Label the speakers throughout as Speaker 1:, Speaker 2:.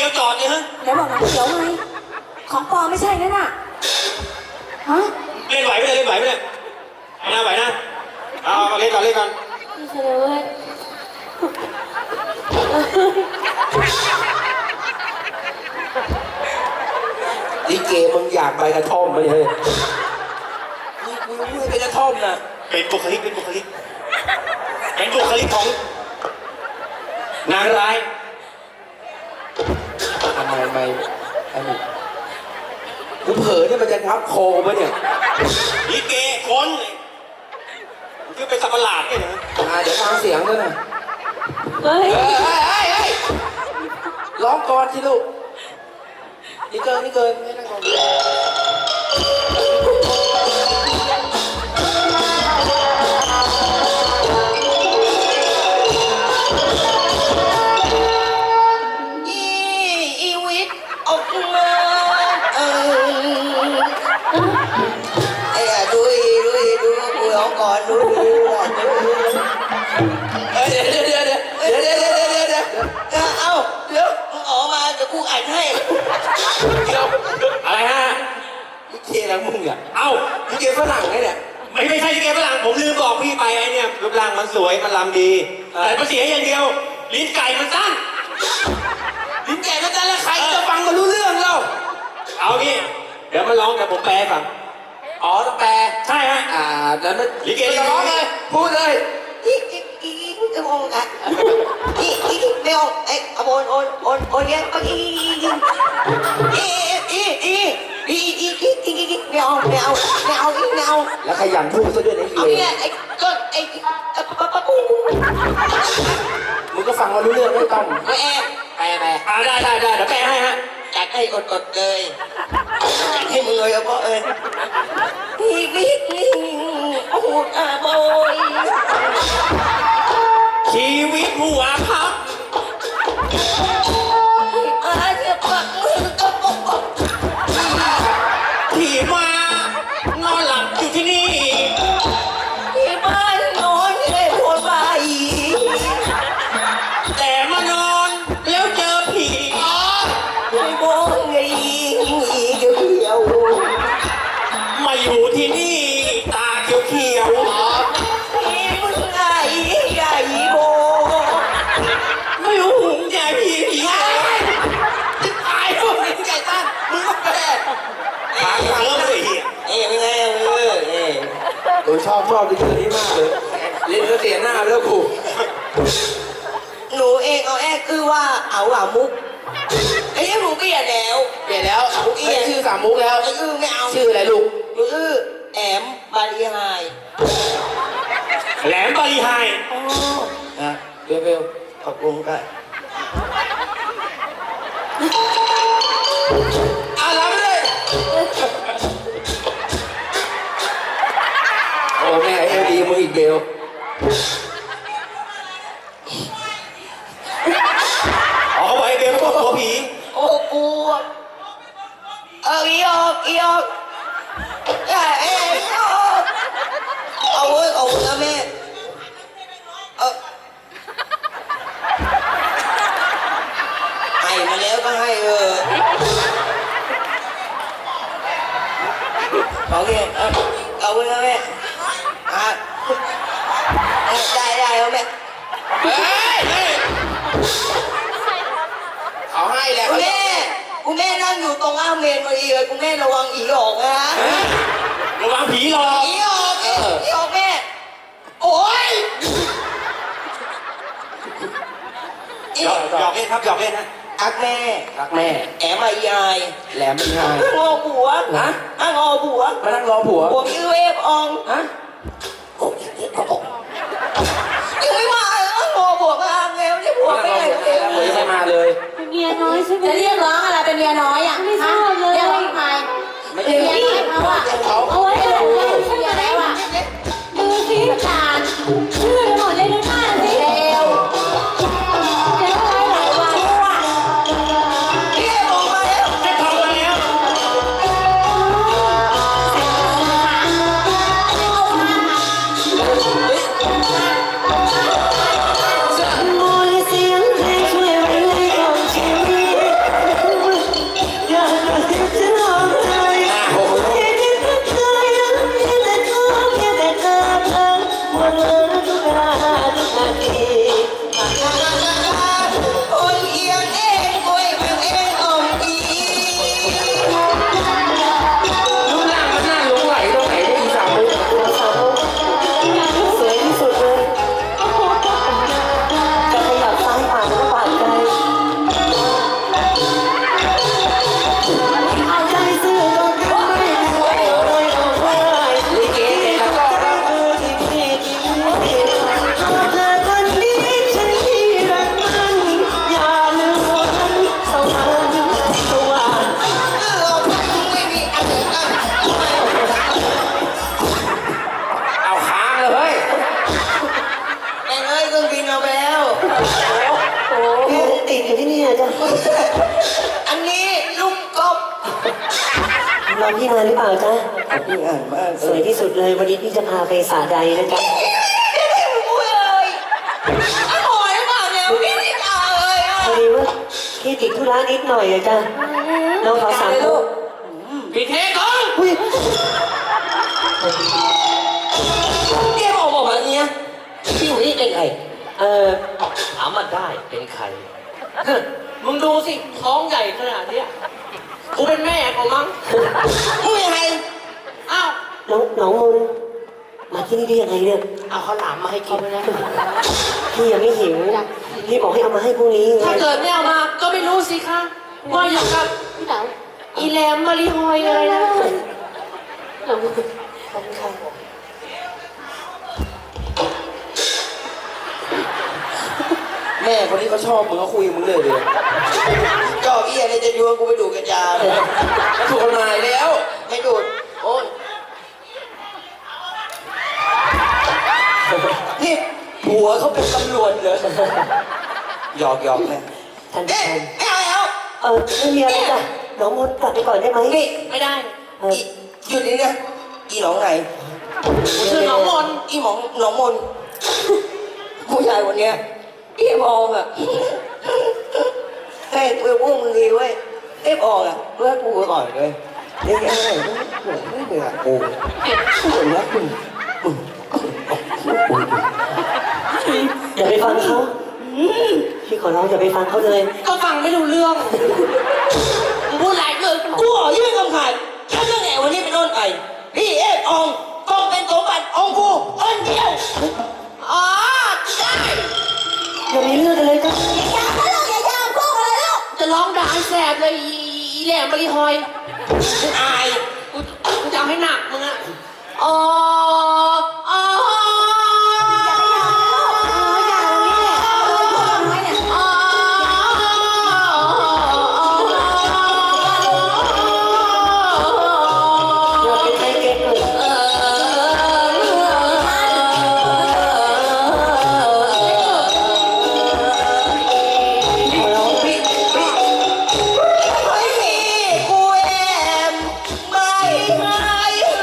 Speaker 1: ยวจอดเนี่ยฮะ
Speaker 2: เดี๋ยวบอกหนังเขียวไงของปลอมไม่ใช่นั่นน่ะฮะ
Speaker 1: เล่นไหวไหมเล่นไหวไหมเนี่ยไหวนะเอาเล่นก่อนเล่นก่อน
Speaker 2: ไม่ใช่เลยเว้ย
Speaker 3: ลิเกมึงอยากใบกระท่อมไหมเฮ้ยมึงไม่เป็นกระท่อมนะ
Speaker 1: เป็นบุคลิกของนางร้าย
Speaker 3: ทำไมไอ้หนูกูเผลอเนี่ยมันจะทับโคปะเนี่ย
Speaker 1: ลิเกคนคือเป็นสัตว์ประหลาดเนี่ยนะ
Speaker 3: เดี๋ยวฟังเสียงด้วยนะ
Speaker 2: เฮ้ย
Speaker 3: เฮ้ยร้องก่อนสิลูกนี่เกินไม่นั่งก่อน
Speaker 4: อีวิทออกมาไอ้ดูกูร้องก่อนดู
Speaker 3: เดี๋ยว
Speaker 4: เอ้าเดี๋ยวมึงออกมาเดี๋ยวกูอ่านให้
Speaker 1: อะไรฮะ
Speaker 3: ลิเกแล้วมึงอ่ะ
Speaker 1: เอ้า
Speaker 3: ลิเกฝรั่งไงเนี่ย
Speaker 1: ไม่ใช่ลิเกฝรั่งผมลืมบอกพี่ไปไอ้เนี่ยรูปร่างมันสวยมันลำดีแต่มันเสียอย่างเดียวลิ้นไก่มันสั้น
Speaker 3: ลิ้นแก่ก็จะแล้วใครจะฟังมารู้เรื่องเรา
Speaker 1: เอางี้เดี๋ยวมันร้องแต่ผมแปลให้ฟัง
Speaker 3: อ๋อต้องแปล
Speaker 1: ใช่ฮะ
Speaker 3: แล้วไม่
Speaker 1: ลิเก
Speaker 3: จะร้องเลยพูดเลย
Speaker 4: ไม่ออกอ่ะไม่ออกไอ้โอนเนี่ยไม่เอา
Speaker 3: แล้วขยันพูดซะด้วยนะ
Speaker 4: เอา
Speaker 3: เอ
Speaker 4: เนี่ยไอ้ก็ไอ้ปู
Speaker 3: มึงก็ฟังมารู้เรื่องไม่ต้อง
Speaker 4: ไม่แอบไป
Speaker 1: ได้เดี๋ยวแปลให้ฮะ
Speaker 4: จัดให้อดเลยให้มึงเลยเพราะพี่บิ๊กโอ้โหบอย
Speaker 1: ชีวิตหัวพับ
Speaker 4: จะปักมือก็ปก
Speaker 1: ที่มานอนหลับอยู่ที่นี่
Speaker 4: ที่บ้านนอนเลยปวดบ่าย
Speaker 1: แต่มานอนแล้วเจอผี
Speaker 4: ไม่มองไงเดียว
Speaker 1: มาอยู่ที่นี่ตาเขียว
Speaker 4: ที่มึงไงใหญ่โบ
Speaker 1: ๆไม่รู้หุงใหญ่ผีจะตายพวกนี้ไก่ตั้นมึงก็แปลหาเริ่มเลยเฮีย
Speaker 4: เป็นไง
Speaker 3: โอ้ยชอบลิเกนี้มากเลยเล่นก็เสียหน้าไปแล้วกู
Speaker 4: หนูเองเอาแอกคือว่าเอามุกไอ้ยังหนูเปลี่ยนแล้ว
Speaker 3: เปลี่ยนแล้วชื่อสามมุกแล้ว
Speaker 4: ไอ้ไม่เอา
Speaker 3: ชื่ออะไรลูก
Speaker 4: มือแอมบาลีไฮ
Speaker 1: แหลมบาลีไฮ
Speaker 3: นะเบล
Speaker 4: ขอบคุณค่ะ
Speaker 3: รับไปเลยโอ้แม่เอลดีมึงอีกเบล
Speaker 1: อ๋อเขาบอกไอ้เบลพวกหัวผี
Speaker 4: โอ้กูอีออกเเอาเว้ยเอาแม่ให้มาแล้วก็ให้โอเคเอาเว้ยแม่ได้เอาแม่
Speaker 3: เฮ้ยเขาให้แหละ
Speaker 4: คุณแม่นั่งอยู่ตรงอ้าเมนพอดีเลยคุณแม่ระวังอีออกนะ
Speaker 1: ระวังผีหลอก
Speaker 4: อีออกแม่โอ้ย
Speaker 1: หยอกเล่นครับหยอกเล่นนะ
Speaker 4: อักแม่
Speaker 3: รักแม่
Speaker 4: แอมมายาย
Speaker 3: แหลมเป็นไง
Speaker 4: งอผัว
Speaker 3: ฮะ
Speaker 4: งอผัว
Speaker 3: มานั่งรอผัว
Speaker 4: ผัวชื่อเวฟออง
Speaker 3: ฮะ
Speaker 4: ยังไม่มาเลยงอผัวก็อ้างแล้วเนี่ยผัว
Speaker 3: มา
Speaker 4: ไม่
Speaker 3: นั่งรอ
Speaker 4: ได้
Speaker 3: ผัวแล้วผัวยังไม่มาเลย
Speaker 2: เป็นเมียน้อยใช่ไหม
Speaker 5: จะเรียกร้องอะไรเป็นเมียน้อยอ่ะ
Speaker 2: ไม่ทราบเลย
Speaker 5: เรียกร้องทำไม
Speaker 3: ไม่
Speaker 5: เป็น
Speaker 3: ใช่
Speaker 5: เมียน้อยเขาอ่ะ
Speaker 3: เขา
Speaker 2: เอาไว้เดี๋ยวเรา
Speaker 5: เป็น
Speaker 2: ใช่ไหม
Speaker 5: เมียแล้วอ่ะ
Speaker 2: ดูสิ
Speaker 5: ประจาน
Speaker 2: เชื่อกันหมดเลยดูหน้าสิ
Speaker 5: เร็ว
Speaker 2: เจ๊ไว้หลายวัน
Speaker 4: พี่บอกมาแล้ว
Speaker 1: จะทำมาแล้ว
Speaker 2: มนต์เสียงเพลงช่วยบรรเลงกล่อมชีวิต
Speaker 6: รอพี่นานหรือเปล่าจ๊ะ
Speaker 4: พี่อ่านมาก
Speaker 6: สวยที่สุดเลยวันนี้พี่จะพาไปสาใดนะจ๊ะ
Speaker 4: อุ้ยเลยอร่อยมากเนี่ยพี่ไม่กล้าเลยอ่ะ
Speaker 6: พอดีว่าพี่ติดธุระนิดหน่อยอะจ้ะน้องขอสามลูก
Speaker 1: พี่เทก่อน
Speaker 6: อุ้ย
Speaker 4: แกบอกแบบนี้พี่อยู่นี่เป็นใคร
Speaker 3: ถามมันได้เป็นใคร มึงดูสิ ท้องใหญ่ขนาดเนี้ยกูเป็นแม่ของมั้ง
Speaker 4: มึงเป็นใคร
Speaker 3: อ้าว
Speaker 6: น้องมนมาที่นี่ได้ยังไงเนี่ย
Speaker 3: เอาข้าวหลามมาให้กินนะ
Speaker 6: พี่ยังไม่หิวพี่บอกให้เอามาให้พรุ่งนี้ไง
Speaker 3: ถ้าเกิดไม่เอามา ก็ไม่รู้สิคะว่าอยู่กับพี่เต๋าอีแหลมมาริฮอยอะไรนะ
Speaker 1: แม่คนนี้เขาชอบมึงเขาคุยกับมึงเลยเลย
Speaker 4: จอกเอี้ยอะไรจะยวนกูไปดูกัญชาเลย
Speaker 1: ถูกกฎหมายแล้ว
Speaker 4: ให้ดูดโอ้ยนี่ผัวเขาเป็นตำรวจเหรอ
Speaker 1: หยอกหยอกแม่
Speaker 6: ท่าน
Speaker 4: เอ๊ะ
Speaker 6: ผู้ชม
Speaker 4: ไม่เอาแล้ว
Speaker 6: ไม่มีอะไรจ้ะน้องมนกลับไปก่อนได้ไหม
Speaker 4: นี่
Speaker 3: ไม่ได้
Speaker 4: อีหยุดนี่นะอีหนองไง
Speaker 3: กูชื่อน้องมนต์
Speaker 4: อีหมองหนองมนผู้ชายคนเนี้ยอีมองอ่ะให้เพื่อพวกมึงดีเว้ยไอ้มองอ่ะเพื่อกูก่อนเลยเดี๋ยวอะไรไม่เหนื่อยกูเหมือนว่าคุณ
Speaker 6: อย่าไปฟังเขาพี่ขอร้องอย่าไปฟังเขาเลย
Speaker 3: ก็ฟังไม่รู้เรื่องมึงพูดอะไรเลย
Speaker 4: กูขอยื่นคำขาดถ้าเรื่องไหนวันนี้เป็นต้นไปพี่เอฟอองต้องเป็นสมบัติของกูคนเดียว
Speaker 3: อ๋อได้
Speaker 6: อย่ามีเรื่องกันเลยจ้ะ
Speaker 5: อย่ามาลูกอย่ายามพวกอะไรลูก
Speaker 3: จะร้องด่าให้แสบเลยอีแหลมมาริฮอย
Speaker 4: อาย
Speaker 3: กูจะเอาให้หนักมึงอะอ๋ออ๋อ
Speaker 5: อย่านี่แหละพวกน้อยเนี่ย
Speaker 3: อ๋อ
Speaker 6: อย่าไปใจเก็บเลย
Speaker 4: พี่ไม่มีกูแอมไม่ให้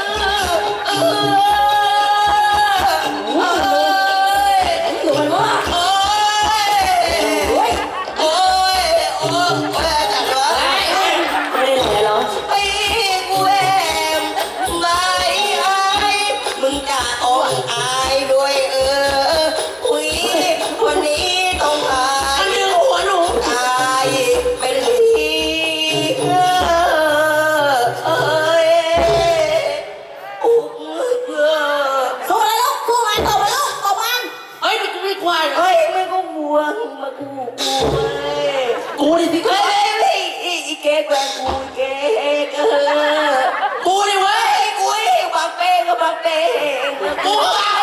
Speaker 5: หนูมันว่า
Speaker 4: โอ้ยโอ้ยโอ้ยจัดวะ
Speaker 6: ไม่ได้แหล่หรอ
Speaker 4: พี่กูแอมไม่ให้มึงจะต้องอายด้วยอุ้ยวันนี้ต้องอาย
Speaker 3: มันดึงหัวหนู
Speaker 4: ตายเป็นทีเอ้ยอุ้มเพื่อ
Speaker 5: สู้อะไรลูกสู้มันตบมันลูกตบมัน
Speaker 3: เฮ้ยกูไม่กลัว
Speaker 4: เฮ้ยไม่ก็ห่วงมากูเว้ย
Speaker 3: กูดิที่
Speaker 4: เฮ้ยอีเก๊กแกงกูเก๊ก
Speaker 3: กูดิเว้ย
Speaker 4: กูบักเป้ก็บักเป้
Speaker 3: กูก็วาง